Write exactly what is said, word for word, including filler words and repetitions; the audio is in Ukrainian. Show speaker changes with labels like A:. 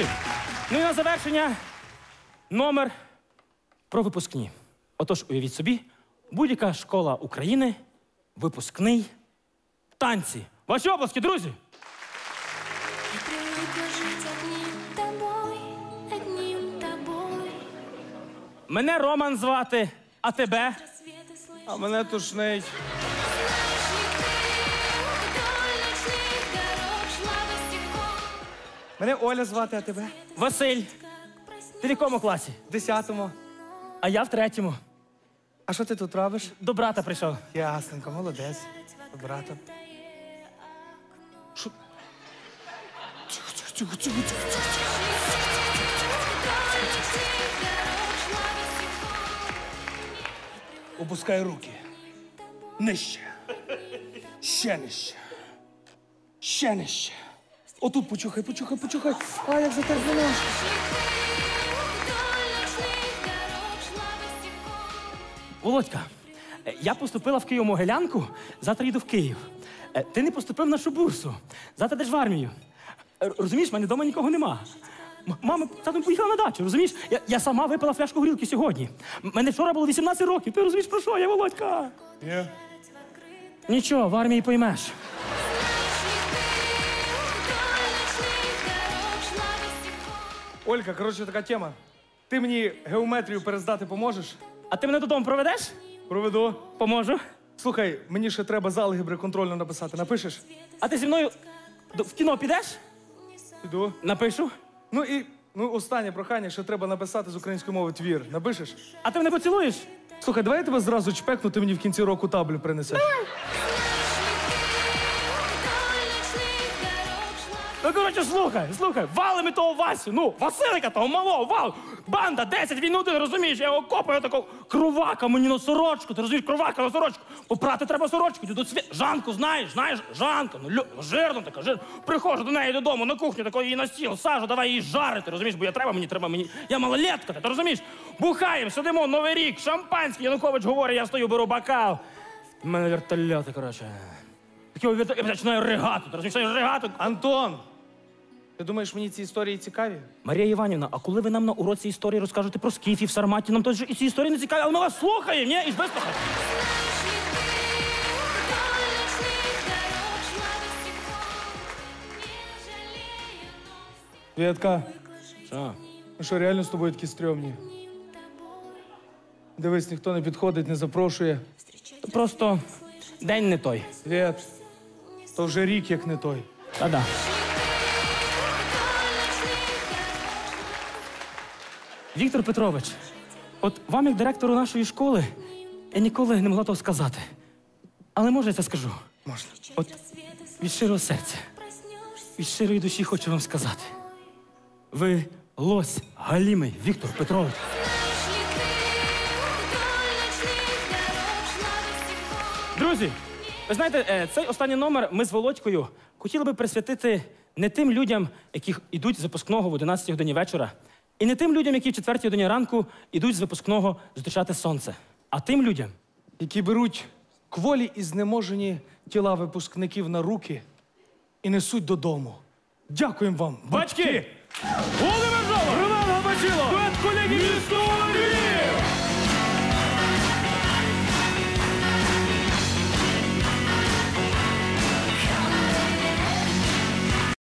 A: Друзі, ну і на завершення номер про випускні. Отож, уявіть собі, будь-яка школа України, випускний, танці. Ваші оплески, друзі! Мене Роман звати, а тебе?
B: А мене тушнить. Мене Оля звати, а тебе?
A: Василь. Ти в якому класі?
B: В десятому.
A: А я в третьому.
B: А що ти тут робиш?
A: До брата прийшов.
B: Ясненько, молодець. До брата. Що? Тихо, тихо, тихо, тихо, тихо. Опускай руки. Нижче. Ще нижче. Ще нижче. Отут почухай, почухай, почухай. А, як затерпнуло.
A: Володька, е, я поступила в Києво-Могилянку, завтра їду в Київ. Е, Ти не поступив на нашу бурсу. Завтра йдеш в армію. Е, Розумієш, в мене вдома нікого нема. М- Мама татом поїхала на дачу, розумієш? Я, я сама випила фляжку горілки сьогодні. М- Мене вчора було вісімнадцять років. Ти розумієш, про що я, Володька?
B: Ні.
A: Нічого, в армії поймеш.
B: Олька, коротше, така тема. Ти мені геометрію перездати поможеш?
A: А ти мене додому проведеш?
B: Проведу.
A: Поможу.
B: Слухай, мені ще треба з алгебри контрольно написати. Напишеш?
A: А ти зі мною до- в кіно підеш?
B: Іду.
A: Напишу.
B: Ну і ну, останнє прохання, ще треба написати з української мови твір. Напишеш?
A: А ти мене поцілуєш?
B: Слухай, давай я тебе зразу чпекну, ти мені в кінці року таблю принесеш.
A: Ну, коротше, слухай, слухай, вали ми того Васю, ну, Василика того малого, вал, банда, десять, він один, розумієш, я його копаю, такого, кровака мені на сорочку, ти розумієш, кровака на сорочку, попрати треба сорочку, йду до світ, Жанку знаєш, знаєш, Жанка, ну, лю... жирна така, жирна, приходжу до неї додому, на кухню, такої її на стіл, сажу, давай її жарити, розумієш, бо я треба, мені треба, мені, я малолетка, ти розумієш, бухаємо, сидимо, Новий рік, шампанське, Янукович говорить, я стою, беру бокал, в мене вертольоти, коротше, такий вертольот, я починаю ригати, ти розумієш, я ригати.
B: Антон! Ти думаєш, мені ці історії цікаві?
A: Марія Іванівна, а коли ви нам на уроці історії розкажете про скіфів, сарматів, нам теж і ці історії не цікаві, але ми вас слухаємо, ні? І ж вислухаємо.
B: Вєтка,
A: Що?
B: ну що, реально з тобою такі стрьомні? Дивись, ніхто не підходить, не запрошує.
A: То просто день не той.
B: Свєт, то вже рік як не той.
A: Та-да. Віктор Петрович, от вам, як директору нашої школи, я ніколи не могла того сказати. Але може я це скажу?
B: Можна.
A: От від щирого серця, від щирої душі хочу вам сказати. Ви лось галімий, Віктор Петрович. Друзі, ви знаєте, е, цей останній номер ми з Володькою хотіли би присвятити не тим людям, які йдуть з випускного в одинадцятій годині вечора, і не тим людям, які в четвертій годині ранку йдуть з випускного зустрічати сонце, а тим людям,
B: Які беруть кволі і знеможені тіла випускників на руки і несуть додому. Дякуємо вам,
A: батьки! Володимир Жолоб! Роман Габачило! Дует колеги Львів!